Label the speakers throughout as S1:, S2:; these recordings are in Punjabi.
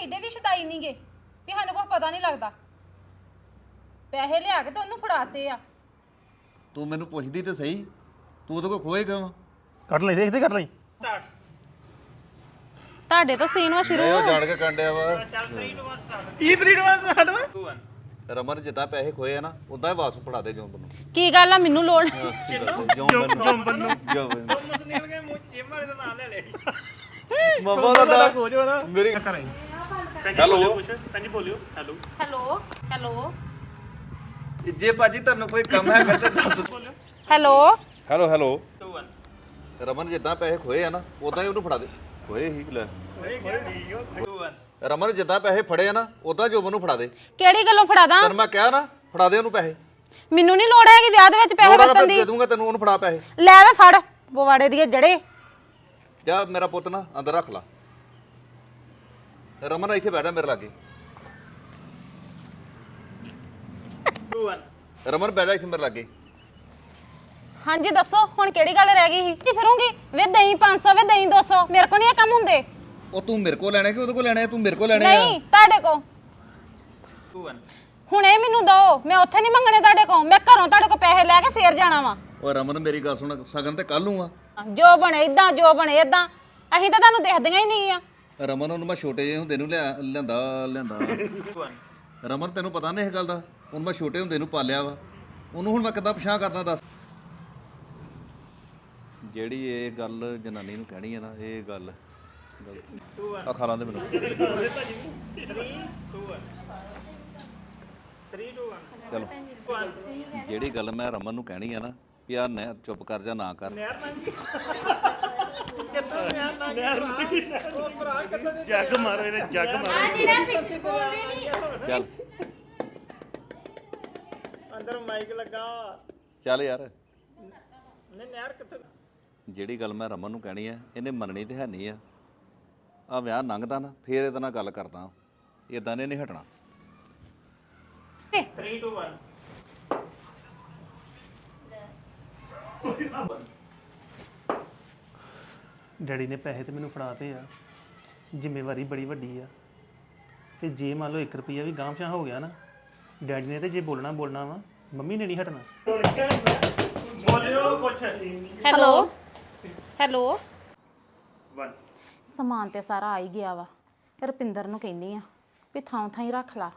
S1: ਏਡੇ ਵੀ ਸ਼ਦਾਈ ਨਹੀਂਗੇ ਕਿ ਸਾਨੂੰ ਕੁਝ ਪਤਾ ਨਹੀਂ ਲੱਗਦਾ। ਪੈਸੇ ਲਿਆ ਕੇ ਤੇ ਉਹਨੂੰ ਫੜਾਤੇ ਆ।
S2: ਤੂੰ ਮੈਨੂੰ ਪੁੱਛਦੀ ਤੇ ਸਹੀ, ਤੂੰ ਉਹਦੇ ਕੋਲ ਖੋਏਗਾ ਵਾ।
S3: ਕੱਢ ਲਈ ਦੇਖਦੇ ਕੱਢ ਲਈ
S1: ਤੁਹਾਡੇ ਤੋਂ ਸੀਨ ਵਾ ਸ਼ੁਰੂ।
S2: ਉਹ ਜਾਣ ਕੇ ਕੰਡਿਆ ਵਾ।
S3: ਕੀ 3 2 1 ਸਟਾਰਟ ਵਾ
S2: ਰਮਨ ਜਿੱਦਾਂ ਪੈਸੇ ਖੋਏ ਆ ਨਾ ਉਦਾਂ ਹੀ ਵਾਪਸ ਫੜਾ ਦੇ ਜੋਬਨ ਨੂੰ।
S1: ਕੀ ਗੱਲ ਆ ਮੈਨੂੰ ਲੋੜ
S2: ਜੋਬਨ ਨੂੰ
S3: ਨਿਕਲ ਗਏ ਮੂੰਹ ਜਿਮ ਵਾਲੇ ਦਾ ਨਾਮ ਲੈ ਲਿਆ
S2: ਮਮਾ ਦਾ
S3: ਕੋਚ ਵਾ ਨਾ
S2: ਮੇਰੀ
S3: ਹੈਲੋ ਹਾਂਜੀ ਬੋਲਿਓ ਹੈਲੋ
S1: ਹੈਲੋ ਹੈਲੋ
S2: ਜੇ ਭਾਜੀ ਤੁਹਾਨੂੰ ਕੋਈ ਕੰਮ ਹੈਗਾ ਤੇ ਦੱਸ।
S1: ਹੈਲੋ
S2: ਹੈਲੋ ਹੈਲੋ ਰਮਨ ਜਿੱਦਾਂ ਪੈਸੇ ਖੋਏ ਆ ਨਾ ਉਦਾਂ ਹੀ ਉਹਨੂੰ ਫੜਾ ਦੇ। ਖੋਏ ਹੀ ਲੈ ਰਮਨ ਜਿੱਦਾਂ ਪੈਸੇ ਫੜੇ ਆ ਨਾ ਉਦਾਂ ਜੋਬਨ ਨੂੰ ਫੜਾ ਦੇ।
S1: ਕਿਹੜੀ ਗੱਲੋਂ ਫੜਾਦਾ?
S2: ਤੈਨੂੰ ਮੈਂ ਕਿਹਾ ਨਾ ਫੜਾ ਦੇ ਉਹਨੂੰ ਪੈਸੇ।
S1: ਮੈਨੂੰ ਨਹੀਂ ਲੋੜ ਹੈਗੀ ਵਿਆਹ ਦੇ ਵਿੱਚ ਪੈਸੇ ਵਰਤਣ ਦੀ।
S2: ਦੇ ਦੂੰਗਾ ਤੈਨੂੰ, ਉਹਨੂੰ ਫੜਾ ਪੈਸੇ।
S1: ਲੈ ਵੇ ਫੜ ਬਵਾੜੇ ਦੀ ਜੜੇ।
S2: ਜਾ ਮੇਰਾ ਪੁੱਤ ਨਾ ਅੰਦਰ ਰੱਖ ਲਾ। ਰਮਨ ਇੱਥੇ ਬੈਠਾ ਮੇਰੇ ਲਾਗੇ। ਰਮਨ ਬੈਠਾ ਇੱਥੇ ਮੇਰੇ ਲਾਗੇ।
S1: ਹਾਂਜੀ ਦੱਸੋ ਹੁਣ ਕਿਹੜੀ ਗੱਲ ਰਹਿ ਗਈ ਸੀ? ਕੀ ਫਿਰੂੰਗੀ ਵੇ ਦਹੀਂ 500 ਵੇ ਦਹੀਂ 200 ਮੇਰੇ ਕੋਲ ਨਹੀਂ ਇਹ ਕੰਮ ਹੁੰਦੇ।
S2: ਉਹ ਤੂੰ ਮੇਰੇ ਕੋਲ ਲੈਣੇ ਕਿ ਉਹਦੇ ਕੋਲ ਲੈਣੇ? ਤੂੰ ਮੇਰੇ ਕੋਲ ਲੈਣੇ ਆ।
S1: ਨਹੀਂ ਤੁਹਾਡੇ ਕੋਲ। ਹੁਣ ਇਹ ਮੈਨੂੰ ਦੋ, ਮੈਂ ਉੱਥੇ ਨਹੀਂ ਮੰਗਣੇ ਤੁਹਾਡੇ ਕੋਲ। ਮੈਂ ਘਰੋਂ ਤੁਹਾਡੇ ਕੋਲ ਪੈਸੇ ਲੈ ਕੇ ਫੇਰ ਜਾਣਾ ਵਾ।
S2: ਓਏ ਰਮਨ ਮੇਰੀ ਗੱਲ ਸੁਣ, ਸਗਨ ਤੇ ਕੱਲ ਨੂੰ ਆ।
S1: ਜੋ ਬਣੇ ਇਦਾਂ ਜੋ ਬਣੇ ਇਦਾਂ, ਅਸੀਂ ਤਾਂ ਤੁਹਾਨੂੰ ਦੇਖਦੀਆਂ ਹੀ ਨਹੀਂ ਆ।
S2: ਰਮਨ ਉਹਨੂੰ ਮੈਂ ਛੋਟੇ ਜਿਹੇ ਹੁੰਦੇ ਨੂੰ ਲਿਆਂਦਾ। ਰਮਨ ਤੈਨੂੰ ਪਤਾ ਨਹੀਂ ਇਹ ਗੱਲ ਦਾ? ਉਹਨੂੰ ਮੈਂ ਛੋਟੇ ਹੁੰਦੇ ਨੂੰ ਪਾਲਿਆ ਵਾ। ਉਹਨੂੰ ਹੁਣ ਮੈਂ ਕਿੱਦਾਂ ਪਛਾਣ ਕਰਦਾ ਦੱਸ? ਜਿਹੜੀ ਇਹ ਗੱਲ ਜਨਾਨੀ ਨੂੰ ਕਹਿਣੀ ਹੈ ਨਾ, ਇਹ ਗੱਲ ਗਲਤ ਆ। ਖਾ ਲਾਂਦੇ ਮੈਨੂੰ।
S3: 3 2 1
S2: ਚਲੋ ਜਿਹੜੀ ਗੱਲ ਮੈਂ ਰਮਨ ਨੂੰ ਕਹਿਣੀ ਆ ਨਾ ਵੀ ਆ ਨਾ ਚੁੱਪ ਕਰ ਜਾ ਨਾ ਕਰ।
S3: ਜੱਗ ਮਾਰੋ ਇਹਦੇ ਜੱਗ ਮਾਰੋ
S2: ਚੱਲ
S3: ਅੰਦਰ ਮਾਈਕ ਲੱਗਾ
S2: ਚੱਲ ਯਾਰ।
S3: ਨੇ ਨਹਿਰ ਕਿੱਥੇ?
S2: ਜਿਹੜੀ ਗੱਲ ਮੈਂ ਰਮਨ ਨੂੰ ਕਹਿਣੀ ਆ ਇਹਨੇ ਮੰਨਣੀ ਤੇ ਹੈ ਨਹੀਂ ਆ। ਆ ਵਿਆਹ ਲੰਘਦਾ ਨਾ ਫੇਰ ਇਹਦੇ ਨਾਲ ਗੱਲ ਕਰਦਾ। ਇਦਾਂ ਨੇ ਨਹੀਂ ਹਟਣਾ।
S3: 3 2 1 ਡੈਡੀ ਨੇ ਪੈਸੇ ਤੇ ਮੈਨੂੰ ਫੜਾਤੇ ਆ। ਜ਼ਿੰਮੇਵਾਰੀ ਬੜੀ ਵੱਡੀ ਆ ਤੇ ਜੇ ਮੰਨ ਲਓ 1 ਰੁਪਿਆ ਵੀ ਗਾਂਵਸ਼ਾ ਹੋ ਗਿਆ ਨਾ, ਡੈਡੀ ਨੇ ਤੇ ਜੇ ਬੋਲਣਾ ਵਾ, ਮੰਮੀ ਨੇ ਨਹੀਂ ਹਟਣਾ। ਬੋਲਿਓ ਕੁਛ।
S1: ਹੈਲੋ ਹੈਲੋ
S3: 1
S1: ਸਮਾਨ ਤੇ ਸਾਰਾ ਆ ਹੀ ਗਿਆ ਵਾ। ਰੁਪਿੰਦਰ ਨੂੰ ਕਹਿੰਦੀ ਆ ਵੀ ਥਾਂ ਥਾਂ ਹੀ ਰੱਖ ਲਾ।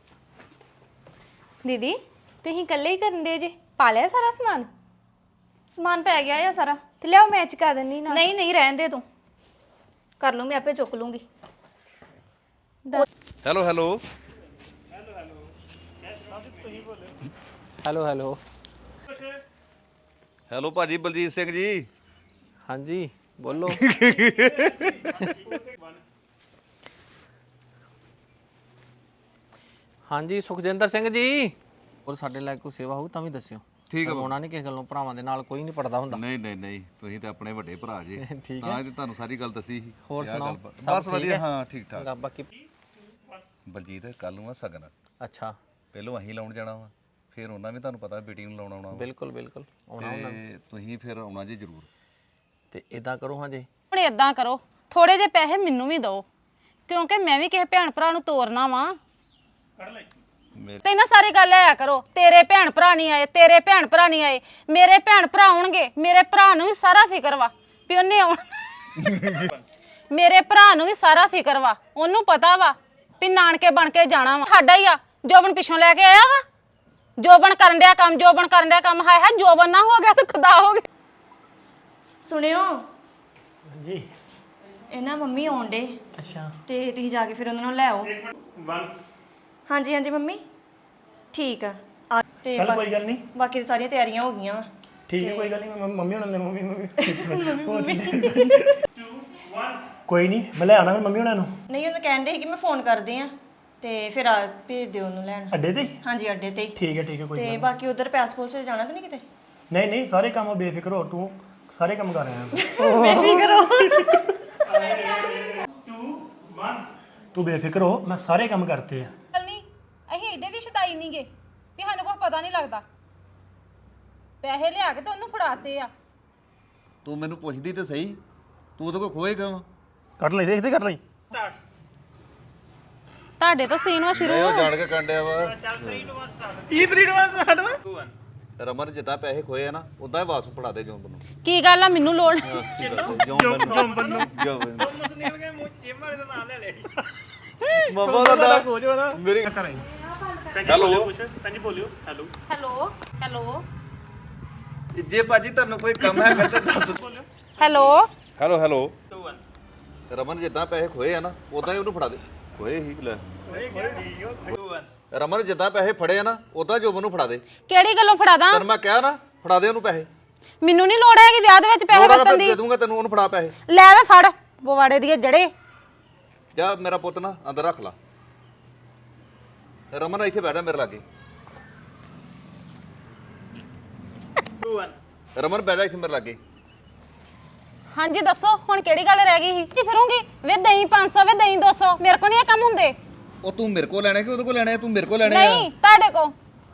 S4: ਦੀਦੀ ਤੁਸੀਂ ਇਕੱਲੇ ਹੀ ਕਰਨ ਦੇ ਜੇ? ਪਾ ਲਿਆ ਸਾਰਾ ਸਮਾਨ ਪੈ ਗਿਆ ਆ ਸਾਰਾ ਤੇ ਲਿਆਓ ਮੈਂ ਚੁਕਾ ਦਿੰਨੀ ਨਾ। ਨਹੀਂ ਨਹੀਂ ਰਹਿਣ ਦੇ ਤੂੰ, ਕਰ ਲੂੰ ਮੈਂ ਆਪੇ ਚੁੱਕ ਲੂੰਗੀ।
S2: Hello hello
S5: hello hello
S2: hello ਭਾਜੀ ਬਲਜੀਤ ਸਿੰਘ ਜੀ।
S5: ਹਾਂਜੀ ਬੋਲੋ। ਹਾਂਜੀ ਸੁਖਜਿੰਦਰ ਸਿੰਘ ਜੀ। ਔਰ ਸਾਡੇ ਲਈ ਕੋਈ ਸੇਵਾ ਹੋਊ ਤਾਂ ਵੀ ਦੱਸਿਓ।
S2: ਠੀਕ ਆ।
S5: ਹੋਣਾ ਨਹੀਂ ਕਿਸੇ ਗੱਲੋਂ, ਭਰਾਵਾਂ ਦੇ ਨਾਲ ਕੋਈ ਨਹੀਂ ਪੜਦਾ ਹੁੰਦਾ।
S2: ਨਹੀਂ ਤੁਸੀਂ ਤਾਂ ਆਪਣੇ ਵੱਡੇ ਭਰਾ ਜੇ।
S5: ਠੀਕ
S2: ਤਾਂ ਇਹ ਤੁਹਾਨੂੰ ਸਾਰੀ ਗੱਲ ਦੱਸੀ ਸੀ।
S5: ਹੋਰ
S2: ਇਹ
S5: ਸੁਣਾਓ?
S2: ਗੱਲ
S5: ਸਭ
S2: ਬਸ
S5: ਠੀਕ
S2: ਵਧੀਆ।
S5: ਹੈ?
S2: ਹਾਂ ਠੀਕ ਠਾਕ।
S5: ਬਾਕੀ
S2: ਬਲਜੀਤ ਕੱਲ ਨੂੰ ਆ ਸਗਨ।
S5: ਅੱਛਾ
S2: ਪਹਿਲੋਂ ਅਸੀਂ ਲਾਉਣ ਜਾਣਾ ਵਾ, ਫਿਰ ਉਹਨਾਂ ਵੀ ਤੁਹਾਨੂੰ ਪਤਾ ਬੇਟੀ ਨੂੰ ਲਾਉਣ ਆਉਣਾ ਵਾ।
S5: ਬਿਲਕੁਲ ਆਉਣਾ ਉਹਨਾਂ ਨੇ।
S2: ਤੇ ਤੁਸੀਂ ਫਿਰ ਆਉਣਾ ਜੀ ਜ਼ਰੂਰ।
S5: ਤੇ ਇਦਾਂ ਕਰੋ ਹਾਂ ਜੀ,
S1: ਹੁਣ ਇਦਾਂ ਕਰੋ ਥੋੜੇ ਜਿਹੇ ਪੈਸੇ ਮੈਨੂੰ ਵੀ ਦਿਓ, ਕਿਉਂਕਿ ਮੈਂ ਵੀ ਕਿਸੇ ਭੈਣ ਭਰਾ ਨੂੰ ਤੋਰਨਾ ਵਾ। ਤੇ ਨਾ ਸਾਰੀ ਗੱਲ ਆਇਆ ਕਰੋ ਤੇਰੇ ਭੈਣ ਭਰਾ ਨਹੀਂ ਆਏ, ਤੇਰੇ ਭੈਣ ਭਰਾ ਨਹੀਂ ਆਏ। ਮੇਰੇ ਭੈਣ ਭਰਾ ਆਉਣਗੇ। ਮੇਰੇ ਭਰਾ ਨੂੰ ਵੀ ਸਾਰਾ ਫਿਕਰ ਵਾ ਵੀ ਉਹਨੇ ਆਉਣਾ। ਮੇਰੇ ਭਰਾ ਨੂੰ ਵੀ ਸਾਰਾ ਫਿਕਰ ਵਾ, ਉਹਨੂੰ ਪਤਾ ਵਾ ਵੀ ਨਾਨਕੇ ਬਣ ਕੇ ਜਾਣਾ ਵਾ। ਸਾਡਾ ਹੀ ਆ। ਜੋਬਨ ਪਿੱਛੋਂ ਲੈ ਕੇ ਆਇਆ ਵਾ। ਜੋਬਨ ਕਰਨ ਡਿਆ ਕੰਮ। ਹਾਏ ਹਾਏ ਜੋਬਨ ਨਾ ਹੋ ਗਿਆ ਤਾਂ ਖੁਦਾ ਹੋ ਗਿਆ।
S6: ਸੁਣਿਓ
S3: ਜੀ
S6: ਇਹਨਾਂ ਮੰਮੀ ਆਉਣ ਡੇ
S3: ਅੱਛਾ
S6: ਤੇ ਤੁਸੀਂ ਜਾ ਕੇ ਫਿਰ ਉਹਨਾਂ ਨੂੰ ਲੈ ਆਓ।
S3: 1
S6: ਹਾਂਜੀ ਮੰਮੀ ਠੀਕ ਆ ਤੇ
S3: ਚੱਲ ਕੋਈ ਗੱਲ ਨਹੀਂ,
S6: ਬਾਕੀ ਤਾਂ ਸਾਰੀਆਂ ਤਿਆਰੀਆਂ ਹੋ ਗਈਆਂ ਵਾ।
S3: ਠੀਕ ਹੈ ਕੋਈ ਗੱਲ ਨਹੀਂ। ਮੰਮੀ ਉਹਨਾਂ ਨੇ ਮੰਮੀ ਕੋਈ ਨਹੀਂ, ਮੈਂ ਲੈ ਆਣਾ ਮੰਮੀ ਉਹਨਾਂ ਨੂੰ
S6: ਨਹੀਂ ਉਹਨੂੰ ਕਹਿੰਦੇ ਸੀ ਕਿ ਮੈਂ ਫੋਨ ਕਰਦੇ ਆ ਤੇ ਫਿਰ ਆ ਭੇਜ ਦਿਓ ਉਹਨੂੰ ਲੈਣ।
S3: ਅੱਡੇ ਤੇ।
S6: ਹਾਂਜੀ ਅੱਡੇ ਤੇ ਹੀ।
S3: ਠੀਕ ਹੈ ਕੋਈ
S6: ਤੇ ਬਾਕੀ ਉਧਰ ਪੈਸਪੋਰਟ 'ਚ ਜਾਣਾ ਤਾਂ ਨਹੀਂ ਕਿਤੇ?
S3: ਨਹੀਂ ਸਾਰੇ ਕੰਮ ਬੇਫਿਕਰ ਹੋ, ਤੂੰ ਸਾਰੇ ਕੰਮ ਕਰ ਰਿਹਾ।
S6: ਬੇਫਿਕਰ ਹੋ।
S3: 2 1 ਤੂੰ ਬੇਫਿਕਰ ਹੋ, ਮੈਂ ਸਾਰੇ ਕੰਮ ਕਰਤੇ ਆ।
S1: ਗੱਲ ਨਹੀਂ ਅਸੀਂ ਏਡੇ ਵੀ ਸ਼ਦਾਈ ਨਹੀਂਗੇ ਕਿ ਸਾਨੂੰ ਕੁਝ ਪਤਾ ਨਹੀਂ ਲੱਗਦਾ। ਪੈਸੇ ਲਿਆ ਕੇ ਤੇ ਉਹਨੂੰ ਫੜਾਤੇ ਆ।
S2: ਤੂੰ ਮੈਨੂੰ ਪੁੱਛਦੀ ਤੇ ਸਹੀ, ਤੂੰ ਉਹਦੇ ਕੋਲ ਖੋਏਗਾ ਵਾ।
S3: ਕੱਢ ਲਈ ਦੇਖਦੇ ਕੱਢ ਲਈ
S1: ਤੁਹਾਡੇ ਤੋਂ ਸੀਨ ਵਾ ਸ਼ੁਰੂ
S2: ਉਹ ਜਾਣ ਕੇ ਕੰਡਿਆ ਵਾ
S3: ਕੀ 3 2 1 ਸਟਾਰਟ ਵਾ
S2: ਰਮਨ ਜਿੱਦਾਂ ਪੈਸੇ ਖੋਏ ਆ ਨਾ ਉਦਾਂ ਹੀ ਵਾਪਸ ਫੜਾ ਦੇ ਜੋਬਨ ਨੂੰ
S1: ਕੀ ਗੱਲ ਆ ਮੈਨੂੰ ਲੋੜ
S2: ਜੋਬਨ ਨੂੰ ਜੋਬਨ
S3: ਨਿਕਲ ਗਏ ਮੂੰਹ ਚ ਜਿਮ ਵਾਲੇ ਦਾ ਨਾਮ ਲੈ ਲਿਆ
S2: ਮਮਾ ਦਾ
S3: ਹੋ ਜੋ ਨਾ
S2: ਮੇਰੀ
S3: ਹੈਲੋ ਹਾਂਜੀ ਬੋਲਿਓ ਹੈਲੋ
S1: ਹੈਲੋ ਹੈਲੋ
S2: ਜੇ ਭਾਜੀ ਤੁਹਾਨੂੰ ਕੋਈ ਕੰਮ ਹੈਗਾ ਤਾਂ ਦੱਸ
S1: ਹੈਲੋ
S2: ਹੈਲੋ ਹੈਲੋ ਰਮਨ ਜਿੱਦਾਂ ਪੈਸੇ ਖੋਏ ਆ ਨਾ ਉਦਾਂ ਹੀ ਉਹਨੂੰ ਫੜਾ ਦੇ ਖੋਏ ਹੀ ਲੈ ਰਮਨ ਜਿੱਦਾਂ ਪੈਸੇ ਫੜੇ ਆ ਨਾ ਉਦਾਂ ਜੋਬਨ ਨੂੰ ਫੜਾ ਦੇ
S1: ਕਿਹੜੀ ਗੱਲੋਂ ਫੜਾ ਦਾਂ
S2: ਤੈਨੂੰ ਮੈਂ ਕਿਹਾ ਨਾ ਫੜਾ ਦੇ ਉਹਨੂੰ ਪੈਸੇ
S1: ਮੈਨੂੰ ਨਹੀਂ ਲੋੜ ਹੈਗੀ ਵਿਆਹ ਦੇ ਵਿੱਚ ਪੈਸੇ
S2: ਲੋੜਾ
S1: ਵਰਤਣ ਦੀ
S2: ਦੇ ਦੂੰਗਾ ਤੈਨੂੰ ਉਹਨੂੰ ਫੜਾ ਪੈਸੇ
S1: ਲੈ ਵੇ ਫੜ ਪਵਾੜੇ ਦੀ ਜੜੇ
S2: ਜਾ ਮੇਰਾ ਪੁੱਤ ਨਾ ਅੰਦਰ ਰੱਖ ਲਾ ਰਮਨ ਇੱਥੇ ਬੈਠਾ ਮੇਰੇ ਲਾਗੇ ਰਮਨ ਬੈਠਾ ਇੱਥੇ ਮੇਰੇ ਲਾਗੇ
S1: ਹਾਂਜੀ ਦੱਸੋ ਹੁਣ ਕਿਹੜੀ ਗੱਲ ਰਹਿ ਗਈ ਸੀ ਕੀ ਫਿਰੂੰਗੀ ਵੇ ਦਹੀਂ 500 ਵੇ ਦਹੀਂ 200 ਮੇਰੇ ਕੋਲ ਨਹੀਂ ਇਹ ਕੰਮ ਹੁੰਦੇ
S2: ਉਹ ਤੂੰ ਮੇਰੇ ਕੋਲ ਲੈਣੇ ਕਿ ਉਹਦੇ ਕੋਲ ਲੈਣੇ ਤੂੰ ਮੇਰੇ ਕੋਲ ਲੈਣੇ ਆ
S1: ਨਹੀਂ ਤੁਹਾਡੇ ਕੋ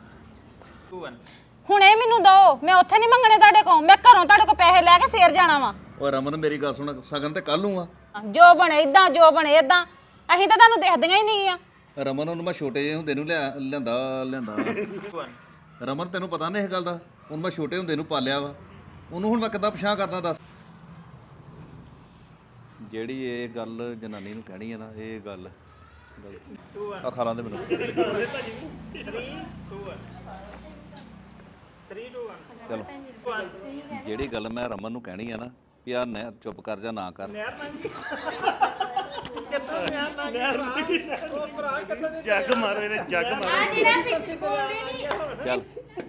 S1: ਹੁਣ ਇਹ ਮੈਨੂੰ ਦੋ ਮੈਂ ਉੱਥੇ ਨਹੀਂ ਮੰਗਣੇ ਤੁਹਾਡੇ ਕੋ ਮੈਂ ਘਰੋਂ ਤੁਹਾਡੇ ਕੋ ਪੈਸੇ ਲੈ ਕੇ ਫੇਰ ਜਾਣਾ ਵਾ
S2: ਓ ਰਮਨ ਮੇਰੀ ਗੱਲ ਸੁਣ ਸਗਨ ਤੇ ਕੱਲ ਨੂੰ ਆ
S1: ਜੋ ਬਣੇ ਇਦਾਂ ਜੋ ਬਣੇ ਇਦਾਂ ਅਸੀਂ ਤਾਂ ਤੁਹਾਨੂੰ ਦੇਖਦੀਆਂ ਹੀ ਨਹੀਂ ਆ
S2: ਰਮਨ ਉਹਨੂੰ ਮੈਂ ਛੋਟੇ ਜਿਹੇ ਹੁੰਦੇ ਨੂੰ ਲਿਆਂਦਾ ਰਮਨ ਤੈਨੂੰ ਪਤਾ ਨਹੀਂ ਇਹ ਗੱਲ ਦਾ ਉਹਨੂੰ ਮੈਂ ਛੋਟੇ ਹੁੰਦੇ ਨੂੰ ਪਾਲਿਆ ਵਾ ਉਹਨੂੰ ਹੁਣ ਮੈਂ ਕਿੱਦਾਂ ਪਛਾਣ ਕਰਦਾ ਦੱਸ ਜਿਹੜੀ ਇਹ ਗੱਲ ਜਨਾਨੀ ਨੂੰ ਕਹਿਣੀ ਹੈ ਨਾ ਇਹ ਗੱਲ ਆ ਖਾ ਲਾਂਦੇ ਮੈਨੂੰ
S3: 3 2 1
S2: ਚਲੋ ਜਿਹੜੀ ਗੱਲ ਮੈਂ ਰਮਨ ਨੂੰ ਕਹਿਣੀ ਆ ਨਾ ਵੀ ਆ ਨਾ ਚੁੱਪ ਕਰ ਜਾ ਨਾ ਕਰ
S3: ਜੱਗ ਮਾਰੋ ਇਹਦੇ ਜੱਗ ਮਾਰੋ
S2: ਚੱਲ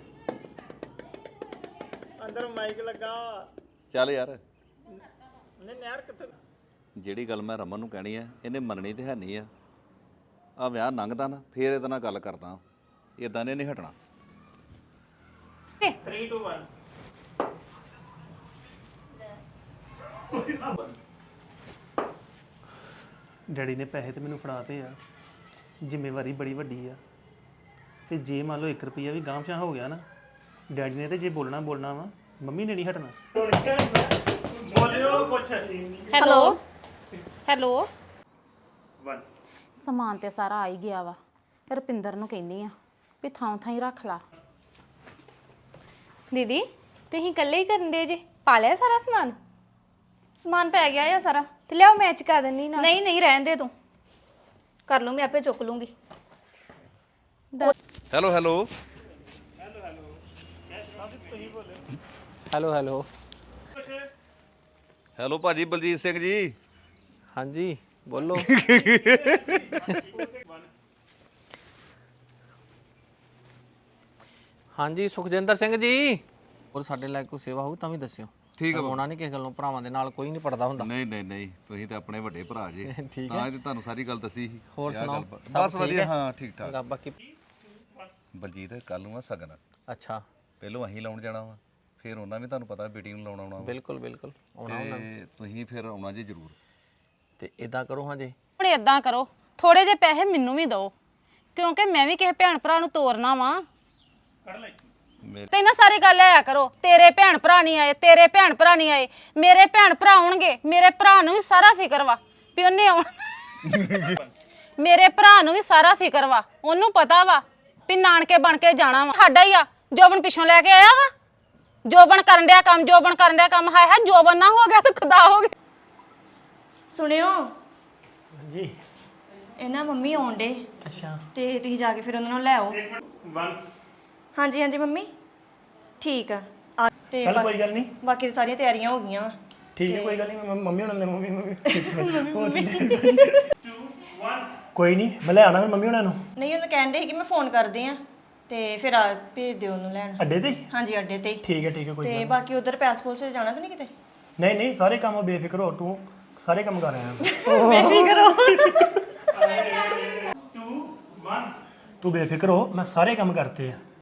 S3: ਅੰਦਰ ਮਾਈਕ ਲੱਗਾ
S2: ਚੱਲ ਯਾਰ
S3: ਨੇ ਨਹਿਰ ਕਿੱਥੇ
S2: ਜਿਹੜੀ ਗੱਲ ਮੈਂ ਰਮਨ ਨੂੰ ਕਹਿਣੀ ਆ ਇਹਨੇ ਮੰਨਣੀ ਤੇ ਹੈ ਨਹੀਂ ਆ ਵਿਆਹ ਲੰਘਦਾ ਨਾ ਫੇਰ ਇਹਦੇ ਨਾਲ ਗੱਲ ਕਰਦਾ ਇਦਾਂ ਨੇ ਨਹੀਂ ਹਟਣਾ
S3: 3 2 1 ਡੈਡੀ ਨੇ ਪੈਸੇ ਤੇ ਮੈਨੂੰ ਫੜਾਤੇ ਆ ਜ਼ਿੰਮੇਵਾਰੀ ਬੜੀ ਵੱਡੀ ਆ ਤੇ ਜੇ ਮੰਨ ਲਓ 1 ਰੁਪਿਆ ਵੀ ਗਾਂਵਸ਼ਾ ਹੋ ਗਿਆ ਨਾ ਡੈਡੀ ਨੇ ਤੇ ਜੇ ਬੋਲਣਾ ਵਾ ਮੰਮੀ ਨੇ ਨਹੀਂ ਹਟਣਾ ਬੋਲਿਓ ਕੁਛ
S1: ਹੈਲੋ ਹੈਲੋ
S3: 1
S1: ਸਮਾਨ ਤੇ ਸਾਰਾ ਆ ਹੀ ਗਿਆ ਵਾ ਰੁਪਿੰਦਰ ਨੂੰ ਕਹਿੰਦੀ ਆ ਵੀ ਥਾਂ ਥਾਂ ਹੀ ਰੱਖ ਲਾ
S4: ਦੀਦੀ ਤੁਸੀਂ ਇਕੱਲੇ ਹੀ ਕਰਨ ਦੇ ਜੇ ਪਾ ਲਿਆ ਸਾਰਾ ਸਮਾਨ ਸਮਾਨ ਪੈ ਗਿਆ ਆ ਸਾਰਾ ਤੇ ਲਿਆਓ ਮੈਂ ਚੁਕਾ ਦਿੰਨੀ ਨਾ ਨਹੀਂ ਨਹੀਂ ਰਹਿਣ ਦੇ ਤੂੰ ਕਰ ਲੂੰ ਮੈਂ ਆਪੇ ਚੁੱਕ ਲੂੰਗੀ
S2: hello hello
S5: hello hello
S2: hello ਭਾਜੀ ਬਲਜੀਤ ਸਿੰਘ ਜੀ
S5: ਹਾਂਜੀ ਬੋਲੋ ਹਾਂਜੀ ਸੁਖਜਿੰਦਰ ਸਿੰਘ ਜੀ ਹੋਰ ਸਾਡੇ ਲਈ ਕੋਈ ਸੇਵਾ ਹੋਊ ਤਾਂ ਵੀ ਦੱਸਿਓ
S2: ਠੀਕ ਆ
S5: ਹੋਣਾ ਨਹੀਂ ਕਿਸੇ ਗੱਲੋਂ ਭਰਾਵਾਂ ਦੇ ਨਾਲ ਕੋਈ ਨਹੀਂ ਪੜਦਾ ਹੁੰਦਾ
S2: ਨਹੀਂ ਨਹੀਂ ਨਹੀਂ ਤੁਸੀਂ ਤਾਂ ਆਪਣੇ ਵੱਡੇ ਭਰਾ ਜੇ
S5: ਠੀਕ
S2: ਤਾਂ ਇਹ ਤੇ ਤੁਹਾਨੂੰ ਸਾਰੀ ਗੱਲ ਦੱਸੀ ਸੀ
S5: ਹੋਰ
S2: ਇਹ ਗੱਲ
S5: ਸੁਣਾਓ,
S2: ਬਸ
S5: ਸਭ ਠੀਕ
S2: ਵਧੀਆ
S5: ਹੈ?
S2: ਹਾਂ ਠੀਕ ਠਾਕ
S5: ਬਾਕੀ
S2: ਬਲਜੀਤ ਕੱਲ ਨੂੰ ਆ ਸਗਨ
S5: ਅੱਛਾ
S2: ਪਹਿਲੋਂ ਅਸੀਂ ਲਾਉਣ ਜਾਣਾ ਵਾ ਫਿਰ ਉਹਨਾਂ ਵੀ ਤੁਹਾਨੂੰ ਪਤਾ ਬੇਟੀ ਨੂੰ ਲਾਉਣ ਆਉਣਾ ਵਾ
S5: ਬਿਲਕੁਲ ਬਿਲਕੁਲ ਆਉਣਾ ਉਹਨਾਂ ਨੇ।
S2: ਤੇ ਤੁਸੀਂ ਫਿਰ ਆਉਣਾ ਜੀ ਜ਼ਰੂਰ
S5: ਤੇ ਇਦਾਂ ਕਰੋ ਹਾਂ ਜੀ
S1: ਹੁਣ ਇਦਾਂ ਕਰੋ ਥੋੜੇ ਜਿਹੇ ਪੈਸੇ ਮੈਨੂੰ ਵੀ ਦਿਓ ਕਿਉਂਕਿ ਮੈਂ ਵੀ ਕਿਸੇ ਭੈਣ ਭਰਾ ਨੂੰ ਤੋਰਨਾ ਵਾ
S2: ਮੇਰੇ
S1: ਤੇ ਇਹਨਾਂ ਸਾਰੀ ਗੱਲ ਆਇਆ ਕਰੋ ਤੇਰੇ ਭੈਣ ਭਰਾ ਨਹੀਂ ਆਏ ਤੇਰੇ ਭੈਣ ਭਰਾ ਨਹੀਂ ਆਏ ਮੇਰੇ ਭੈਣ ਭਰਾ ਆਉਣਗੇ ਮੇਰੇ ਭਰਾ ਨੂੰ ਵੀ ਸਾਰਾ ਫਿਕਰ ਵਾ ਵੀ ਉਹਨੇ ਆਉਣਾ ਮੇਰੇ ਭਰਾ ਨੂੰ ਵੀ ਸਾਰਾ ਫਿਕਰ ਵਾ ਉਹਨੂੰ ਪਤਾ ਵਾ ਵੀ ਨਾਨਕੇ ਬਣ ਕੇ ਜਾਣਾ ਵਾ ਸਾਡਾ ਹੀ ਆ ਜੋਬਨ ਪਿੱਛੋਂ ਲੈ ਕੇ ਆਇਆ ਵਾ ਜੋਬਨ ਕਰਨ ਡਿਆ ਕੰਮ ਹਾਏ ਹਾਏ ਜੋਬਨ ਨਾ ਹੋ ਗਿਆ ਤਾਂ ਖੁਦਾ ਹੋ ਗਿਆ
S6: ਸੁਣਿਓ
S3: ਹਾਂਜੀ
S6: ਇਹ ਨਾ ਮੰਮੀ ਆਉਣ ਡੇ
S3: ਅੱਛਾ
S6: ਤੇ ਤੁਸੀਂ ਜਾ ਕੇ ਫਿਰ ਉਹਨਾਂ ਨੂੰ ਲੈ ਆਓ
S3: 1
S6: ਹਾਂਜੀ ਹਾਂਜੀ ਮੰਮੀ ਠੀਕ ਆ ਤੇ
S3: ਚੱਲ ਕੋਈ ਗੱਲ ਨਹੀਂ
S6: ਬਾਕੀ ਤਾਂ ਸਾਰੀਆਂ ਤਿਆਰੀਆਂ ਹੋ ਗਈਆਂ ਵਾ
S3: ਠੀਕ ਹੈ ਕੋਈ ਗੱਲ ਨਹੀਂ ਮੰਮੀ ਉਹਨਾਂ ਨੇ ਕੋਈ ਨਹੀਂ ਮੈਂ ਲੈ ਆਣਾ ਮੰਮੀ ਉਹਨਾਂ ਨੂੰ
S6: ਨਹੀਂ ਉਹਨੂੰ ਕਹਿੰਦੇ ਸੀ ਕਿ ਮੈਂ ਫੋਨ ਕਰਦੀ ਆ ਤੇ ਫਿਰ ਆ ਭੇਜ ਦਿਓ ਉਹਨੂੰ ਲੈਣ
S3: ਅੱਡੇ ਤੇ
S6: ਹਾਂਜੀ ਅੱਡੇ ਤੇ ਹੀ।
S3: ਠੀਕ ਹੈ ਕੋਈ
S6: ਤੇ ਬਾਕੀ ਉਧਰ ਪੈਸਪੋਰਟ 'ਚ ਜਾਣਾ ਤਾਂ ਨਹੀਂ ਕਿਤੇ
S3: ਨਹੀਂ ਨਹੀਂ ਸਾਰੇ ਕੰਮ ਬੇਫਿਕਰ ਹੋ ਤੂੰ ਸਾਰੇ ਕੰਮ ਕਰ ਰਿਹਾ ਤੂੰ ਬੇਫਿਕਰ ਹੋ ਮੈਂ ਸਾਰੇ ਕੰਮ ਕਰਤੇ ਆ